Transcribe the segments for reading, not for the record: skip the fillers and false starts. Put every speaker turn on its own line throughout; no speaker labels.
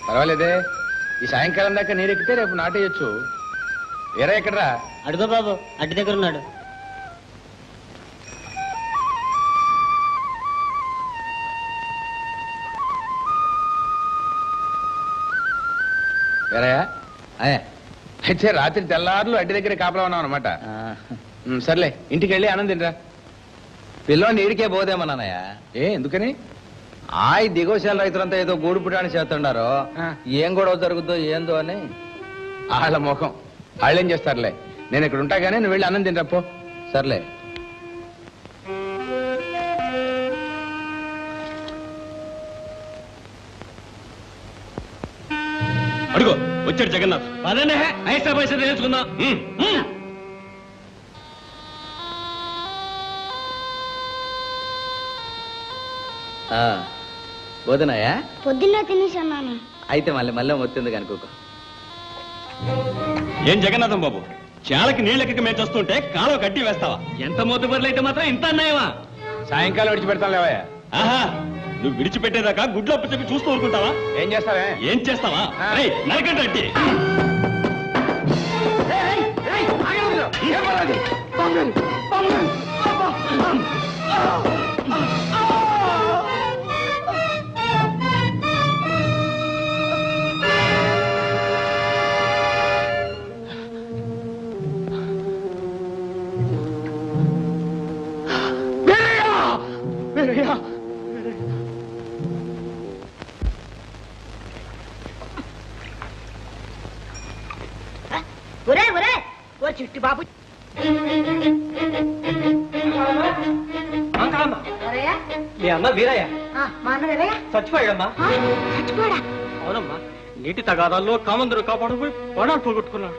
పర్వాలేదే, ఈ సాయంకాలం దాకా నీరెక్కితే రేపు నాటేయచ్చు. వేరే ఎక్కడరా?
అడుగో బాబు, అడ్డు దగ్గర ఉన్నాడు.
వేరయ్యా, అయితే రాత్రి తెల్లారులు అడ్డి దగ్గర కాపలా ఉన్నాం అనమాట. సర్లే, ఇంటికి వెళ్ళి ఆనందిండ్రా.
పిల్లోని ఈడికే పోదేమన్నానయ్య.
ఎందుకని?
ఈ దిగోశాల రైతులంతా ఏదో గూడు పుటాన్ని చేస్తున్నారు. ఏం గొడవ జరుగుద్దో ఏందో అని.
వాళ్ళ ముఖం వాళ్ళేం చేస్తారులే. నేను ఇక్కడ ఉంటా గానీ నువ్వు వెళ్ళి అన్నం తింటా పో.
సర్లే.
అడుగో వచ్చాడు జగన్నాథ్. అదే ఐసా పైసా తెలుసుకుందాం.
పోదునాయా?
పొద్దున్న తినేసన్నాను.
అయితే మళ్ళీ మొత్తుంది కనుకోక.
ఏం జగన్నాథం బాబు, చాలకి నీళ్ళకి మేము చూస్తుంటే కాలువ కట్టి వేస్తావా? ఎంత మోతుబర్లు అయితే మాత్రం ఇంత అన్నాయమా?
సాయంకాలం విడిచిపెడతాను లేవయ్యా.
ఆహా, నువ్వు విడిచిపెట్టేదాకా గుడ్లు అప్పు చెప్పి చూస్తూ ఊరుకుంటావా?
ఏం చేస్తావే?
ఏం చేస్తావా? నరకండి.
ఓ చిట్టి బాబు,
మీ అన్న వీరయ్య
మా అన్న వీరయ్య
చచ్చిపోయాడమ్మా.
చచ్చిపోయాడా?
అవునమ్మా, నీటి తగాదాల్లో కామందరు కాపాడబోయి ప్రాణాలు పోగొట్టుకున్నాడు.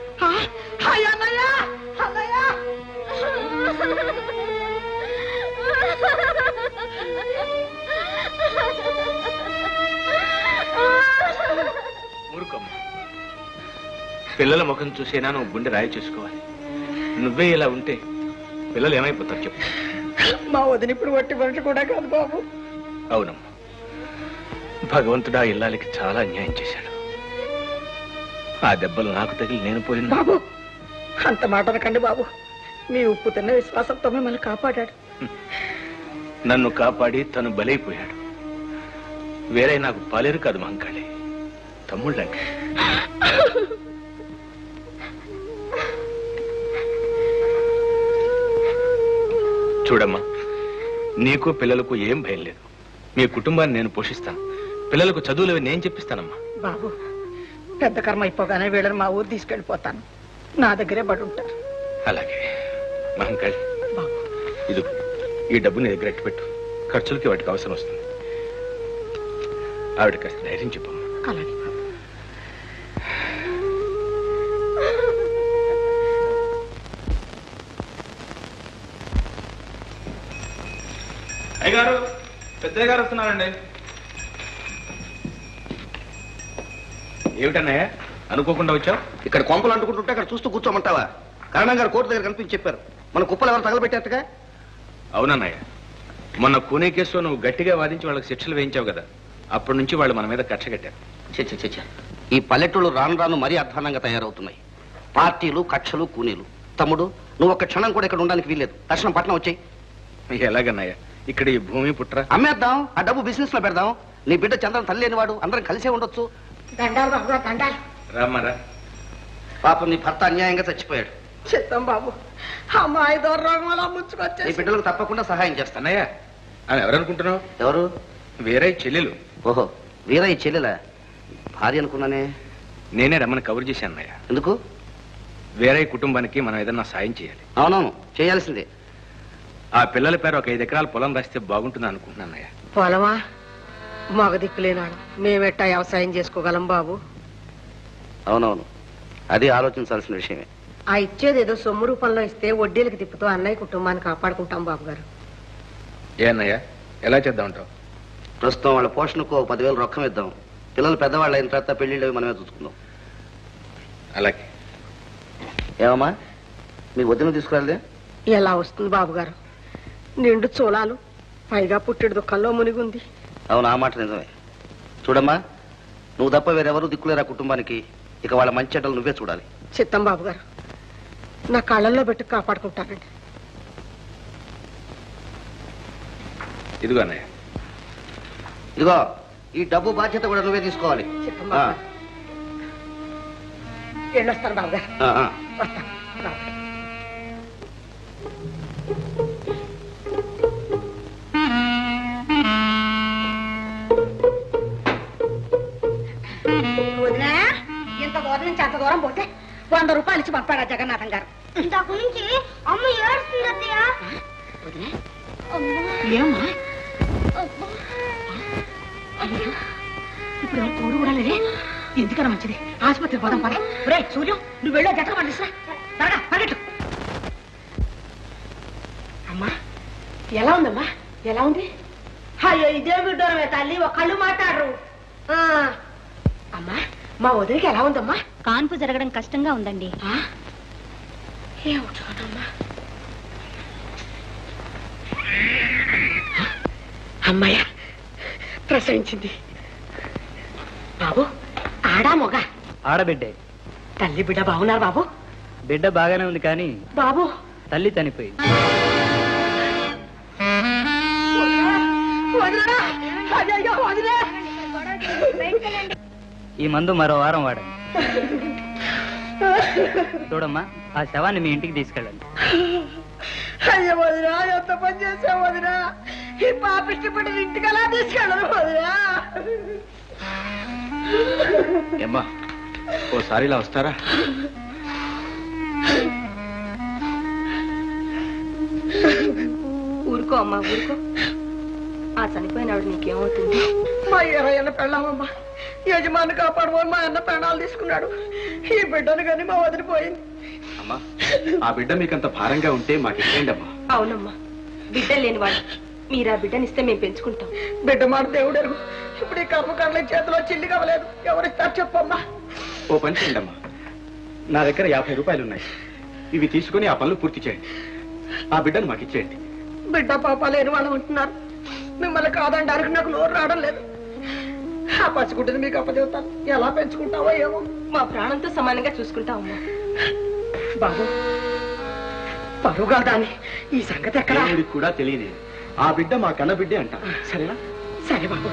ఊరుకోమ్మ, పిల్లల ముఖం చూసేనా నువ్వు గుండె రాయి చేసుకోవాలి. నువ్వే ఇలా ఉంటే పిల్లలు ఏమైపోతారు చెప్పు.
మా వదిన ఇప్పుడు వట్టి మనిషి కూడా కాదు బాబు.
అవునమ్మా, భగవంతుడా ఇల్లాలకి చాలా అన్యాయం చేశాడు. ఆ దెబ్బలు నాకు తగిలి నేను పోయిన.
బాబు అంత మాట అనకండి బాబు. మీ ఉప్పు తిన్న విశ్వాసంతో మిమ్మల్ని కాపాడాడు.
నన్ను కాపాడి తను బలైపోయాడు. వేరే నాకు పాలేరు కాదు మంకాళి, తమ్ముళ్ళండి. చూడమ్మా, నీకు పిల్లలకు ఏం భయం లేదు. మీ కుటుంబాన్ని నేను పోషిస్తాను. పిల్లలకు చదువులు నేను చెప్పిస్తానమ్మా.
బాబు పెద్ద కర్మ అయిపోగానే వీళ్ళని మా ఊరు తీసుకెళ్ళిపోతాను. నా దగ్గరే పడి ఉంటారు.
అలాగే మహంకాళి, ఇది ఈ డబ్బు నీ దగ్గర ఎట్టు పెట్టు. ఖర్చులకి వాటికి అవసరం వస్తుంది. ఆవిడ కాస్త ధైర్యం చెప్పమ్మా.
అలాగే బాబు.
అయ్యగారు, పెద్దయ్య గారు వస్తున్నారండి. ఏమిటన్నయ్య అనుకోకుండా వచ్చావు?
ఇక్కడ కొంపలు అంటుకుంటుంటే అక్కడ చూస్తూ కూర్చోమంటావా? కరణం గారు కోర్టు దగ్గర కనిపించి చెప్పారు, మన కుప్పలు ఎవరు తగలబెట్టేట్టుగా.
అవునన్నయ్య, మొన్న కూనే కేసులో నువ్వు గట్టిగా వాదించి వాళ్ళకి శిక్షలు వేయించావు కదా, అప్పటి నుంచి వాళ్ళు మన మీద కక్ష కట్టారు.
చచ్చ ఈ పల్లెటూళ్ళు రాను రాను మరీ అధ్వానంగా తయారవుతున్నాయి. పార్టీలు, కక్షలు, కూనీలు. తమ్ముడు, నువ్వు ఒక్క క్షణం కూడా ఇక్కడ ఉండడానికి వీల్లేదు. తక్షణం పట్నం వచ్చాయి.
ఎలాగన్నయ్య, ఇక్కడ ఈ భూమి పుట్ర
అమ్మేద్దాం, ఆ డబ్బు బిజినెస్ లో పెడదాం. నీ బిడ్డ చంద్రన్ తల్లి లేనివాడు, అందరం కలిసే ఉండొచ్చు.
దండాలు బాబు, దండాలు.
రామారా,
పాపం నీ భర్త అన్యాయంగా చచ్చిపోయాడు.
చిత్తం బాబు, అమ్మాయి దూరం
నీ
ముచ్చుకొచ్చేసి
బిడ్డలకు తప్పకుండా సహాయం చేస్తాను.
అన్నయ్య, ఆమె ఎవరనుకుంటున్నావు?
ఎవరు?
వేరే చెల్లెలు.
ఓహో, వీర ఈ చెల్లెలా? భార్య అనుకున్నానే.
నేనే రమ్మని కబురు చేశాను అన్నయ్య.
ఎందుకు?
వేరే కుటుంబానికి మనం ఏదన్నా సాయం చేయాలి.
అవునవును, చేయాల్సిందే.
ఆ పిల్లల పేరు ఒక 5 ఎకరాల పొలం రాస్తే బాగుంటుంది అనుకుంటున్నాను అన్నయ్య.
పొలమా? మగ దిక్కులేనాడు, మేమెట్టా వ్యవసాయం చేసుకోగలం బాబు.
అవునవును, అది ఆలోచించాల్సిన విషయమే.
ఆ ఇచ్చేది ఏదో సొమ్ము రూపంలో ఇస్తే వడ్డీలకు తిప్పుతూ అన్నయ్య కుటుంబాన్ని కాపాడుకుంటాం బాబు గారు.
ఏ అన్నయ్య, ఎలా చేద్దాం అంటావు?
ప్రస్తుతం వాళ్ళ పోషణకు 10,000 రొక్కం ఇద్దాం. పిల్లలు పెద్దవాళ్ళు అయిన తర్వాత పెళ్లిళ్ళు మనమే చూసుకుందాం.
అలాగే.
ఏమమ్మా, మీ వదిన తీసుకురాలదే?
ఎలా వస్తుంది బాబు గారు? నిండు చోళాలు, పైగా పుట్టెడు దుఃఖంలో మునిగుంది.
అవును, ఆ మాట నిజమే. చూడమ్మా, నువ్వు తప్ప వేరెవరూ దిక్కులేరా కుటుంబానికి. ఇక వాళ్ళ మంచి చెడ్డలు నువ్వే చూడాలి.
చిత్తం బాబు గారు, నా కళ్ళల్లో పెట్టి కాపాడుకుంటానండి.
ఇదిగో అన్నయ్య.
ఇదిగో ఈ డబ్బు బాధ్యత కూడా నువ్వే తీసుకోవాలి.
చిత్తం బాబు గారు, వెళ్ళొస్తాను బాబు గారు.
ఆ, ఆ.
వస్తాను బాబు గారు. వదినా, ఇంత దూరం నుంచి అంత దూరం పోతే 100 రూపాయలు ఇచ్చి పంపాడా జగన్నాథం గారు.
ఇంతకు నుంచి అమ్మ ఏడుస్తుంది అత్తయ్య.
వదినా,
అమ్మా,
ఏమ్మా
అబ్బా.
ఇప్పుడు ఎవరు తోడు కూడా లేదే. ఎందుకన్నా మంచిది, ఆసుపత్రి పోదాం పద. రే సూర్యం, నువ్వు వెళ్ళో జట్టు పండిస్తా. త్వరగా పరిగెట్టు. అమ్మా, ఎలా ఉందమ్మా? ఎలా ఉంది? అయ్యో ఇదే బిడ్డోరమే తల్లి, ఒక కళ్ళు మాట్లాడరు. అమ్మా, మా వదిలికి ఎలా ఉందమ్మా?
కాన్పు జరగడం కష్టంగా ఉందండి.
ఏమిటోనమ్మా. అమ్మాయ ప్రసవించింది. బాబు, ఆడా మొగ?
ఆడబిడ్డే.
తల్లి బిడ్డ బాగున్నారు బాబు?
బిడ్డ బాగానే ఉంది కానీ
బాబు,
తల్లి చనిపోయింది.
వదినా, అయ్యయ్యో వదినా.
ఈ మందు మరో వారం వాడండి. చూడమ్మా, ఆ శవాన్ని మీ ఇంటికి తీసుకెళ్ళండి.
అయ్యో వదినా, ఎంత పని చేసావు వదినా. ఈ పాపిష్టి బిడ్డని ఇంటికి ఎలా తీసుకెళ్ళరు వదినా?
ఏమ్మా, ఓసారి ఇలా వస్తారా?
ఊరుకో అమ్మా, ఊరుకో. ఆ చనిపోయినాడు నీకేమవుతుంది?
మా 20 ఏళ్ళ పెళ్ళామమ్మా. యజమాని కాపాడుకొని మా అన్న ప్రాణాలు తీసుకున్నాడు. ఈ బిడ్డను కానీ మా వదిలిపోయింది.
అమ్మా, ఆ బిడ్డ మీకంత భారంగా ఉంటే మాకు ఇచ్చేయండి అమ్మా.
అవునమ్మా, బిడ్డ లేనివాడు. మీరు ఆ బిడ్డనిస్తే మేము పెంచుకుంటాం.
బిడ్డ మాట దేవుడెరుగు. ఇప్పుడు ఈ కర్మకాండల చేతిలో చిల్లి కవ్వలేదు. ఎవరిస్తారు చెప్పమ్మా?
ఓ పని చేయండి అమ్మా, నా దగ్గర 50 రూపాయలు ఉన్నాయి. ఇవి తీసుకుని ఆ పనులు పూర్తి చేయండి. ఆ బిడ్డను మాకు ఇచ్చేయండి.
బిడ్డ పాప లేని వాళ్ళు ఉంటున్నారు. మిమ్మల్ని కాదండానికి నాకు నోరు రావడం లేదు. ఆ పసిగుడ్డని మీకు అప్పచెబుతాను. ఎలా పెంచుకుంటావో ఏమో.
మా ప్రాణంతో సమానంగా చూసుకుంటామమ్మా.
బాబు, పరువుగా దాన్ని ఈ సంగతి ఎక్కడ?
దేవుడికి కూడా తెలియదు. ఆ బిడ్డ మా కన్న బిడ్డే అంట. సరేనా?
సరే బాబు.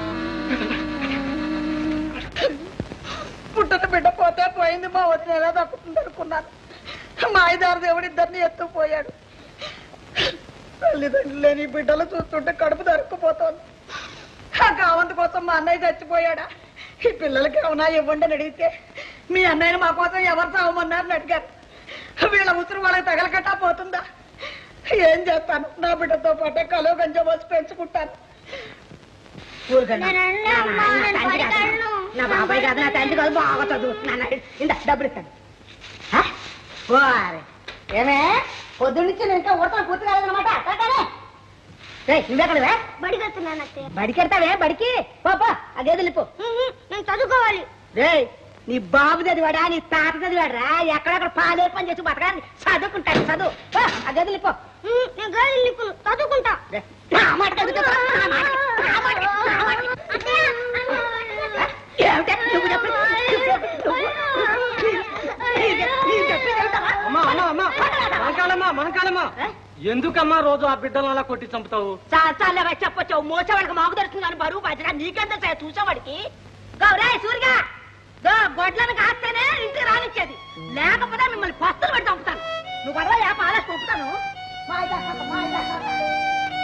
పుట్టిన బిడ్డ పోతే పోయింది. మా వదిన ఎలా దక్కుతుంది అనుకున్నాను. మా ఐదారు దేవుడు ఇద్దరిని ఎత్తుకుపోయాడు. తల్లిదండ్రులు లేని బిడ్డలు చూస్తుంటే కడుపు దొరుకుపోతోంది. ఆ కావంత కోసం మా అన్నయ్య చచ్చిపోయాడా? ఈ పిల్లలకి ఏమన్నా ఇవ్వండి అని అడిగితే మీ అన్నయ్యని మా కోసం ఎవరు చావమన్నారని అడిగారు. వీళ్ళ ఉసురు వాళ్ళకి తగలకట్టా పోతుందా? ఏం చేస్తాను? నా బిడ్డతో పాటే కలో గంజ పోసి పెంచుకుంటాను. నా బాబాయ్ కాదు, నా తండ్రి కాదు. బాగా చదువుతున్నాను. ఇంత డబ్బులు ఇస్తాను. ఏమే పొద్దు నుంచి నేను ఇంకా ఊడతాను పూర్తి కాలేదన్నమాట. నువ్వెక్కడవే?
బడికి వస్తున్నాను అత్తయ్య.
బడికి వెళ్తావే? బడికి పాపా, అదే వెళ్ళిపో.
నేను చదువుకోవాలి.
రే, నీ బాబు చదివాడా? నీ తాత చదివాడా? ఎక్కడెక్కడ పాలే పని చేసి బతకాలి. చదువుకుంటాను. చదువు. అదే వెళ్ళిపో.
నేను గదిలో నిప్పును చదువుకుంటా.
నా మాట చదువుతా. ఏమిటే నువ్వు చెప్పి
మనకాలమ్మా ఎందుకమ్మా రోజు ఆ బిడ్డలు అలా కొట్టి చంపుతావు?
చాలాగా చెప్పొచ్చు. మోసేవాడికి మాకు దొరుకుతుందని బరువు బాధ్యత నీకెంత చూసేవాడికి. గౌరే సూరిగా గొడ్లను కాస్తేనే ఇంటికి రానిచ్చేది. లేకపోతే